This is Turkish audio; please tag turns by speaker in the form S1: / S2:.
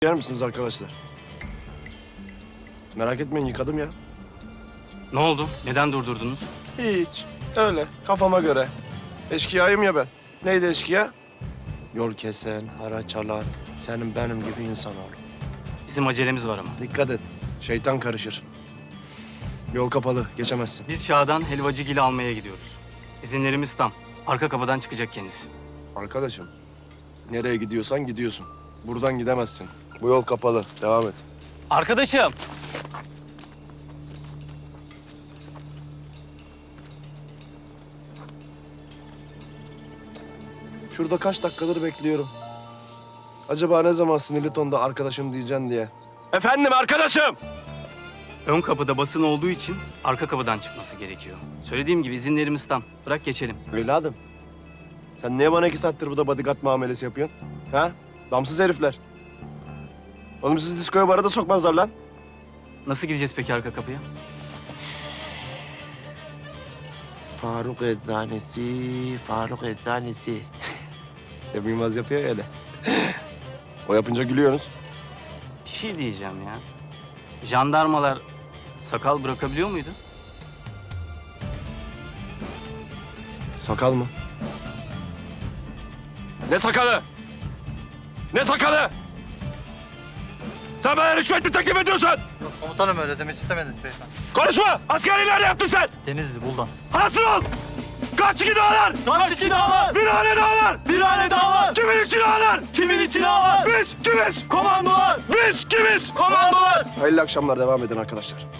S1: Yer misiniz arkadaşlar? Merak etmeyin, yıkadım ya.
S2: Ne oldu? Neden durdurdunuz?
S1: Hiç. Öyle kafama göre. Eşkıyayım ya ben. Neydi eşkıya? Yol kesen, haraç alan, senin benim gibi insan ol.
S2: Bizim acelemiz var ama.
S1: Dikkat et. Şeytan karışır. Yol kapalı, geçemezsin.
S2: Biz Şah'dan helvacıgili almaya gidiyoruz. İzinlerimiz tam. Arka kapıdan çıkacak kendisi.
S1: Arkadaşım, nereye gidiyorsan gidiyorsun. Buradan gidemezsin. Bu yol kapalı. Devam et.
S2: Arkadaşım!
S1: Şurada kaç dakikadır bekliyorum. Acaba ne zaman sinirli tonda arkadaşım diyeceksin diye. Efendim arkadaşım!
S2: Ön kapıda basın olduğu için arka kapıdan çıkması gerekiyor. Söylediğim gibi izinlerimiz tam. Bırak geçelim.
S1: Evladım, sen niye bana 2 saattir burada bodyguard muamelesi yapıyorsun? Ha? Damsız herifler. Oğlum sizi diskoya bara da sokmazlar lan.
S2: Nasıl gideceğiz peki arka kapıya?
S1: Faruk Eczanesi, Faruk Eczanesi. Cem Yılmaz yapıyor ya öyle. O yapınca gülüyorsunuz.
S2: Bir şey diyeceğim ya. Jandarmalar sakal bırakabiliyor muydu?
S1: Sakal mı? Ne sakalı? Ne sakalı? Sen bana rüşvet mi teklif ediyorsun?
S3: Yok komutanım öyle demek istemedik beyefendi.
S1: Konuşma! Askerliği nerede yaptın sen?
S3: Denizli Buldan.
S1: Hasır ol! Kaç iki dağlar?
S3: Kaç iki dağlar?
S1: Bir hane dağlar!
S3: Bir hane dağlar!
S1: Kimin için ağlar?
S3: Kimin için ağlar?
S1: Biz kimiz?
S3: Komandolar!
S1: Biz kimiz?
S3: Komandolar!
S1: Hayırlı akşamlar, devam edin arkadaşlar.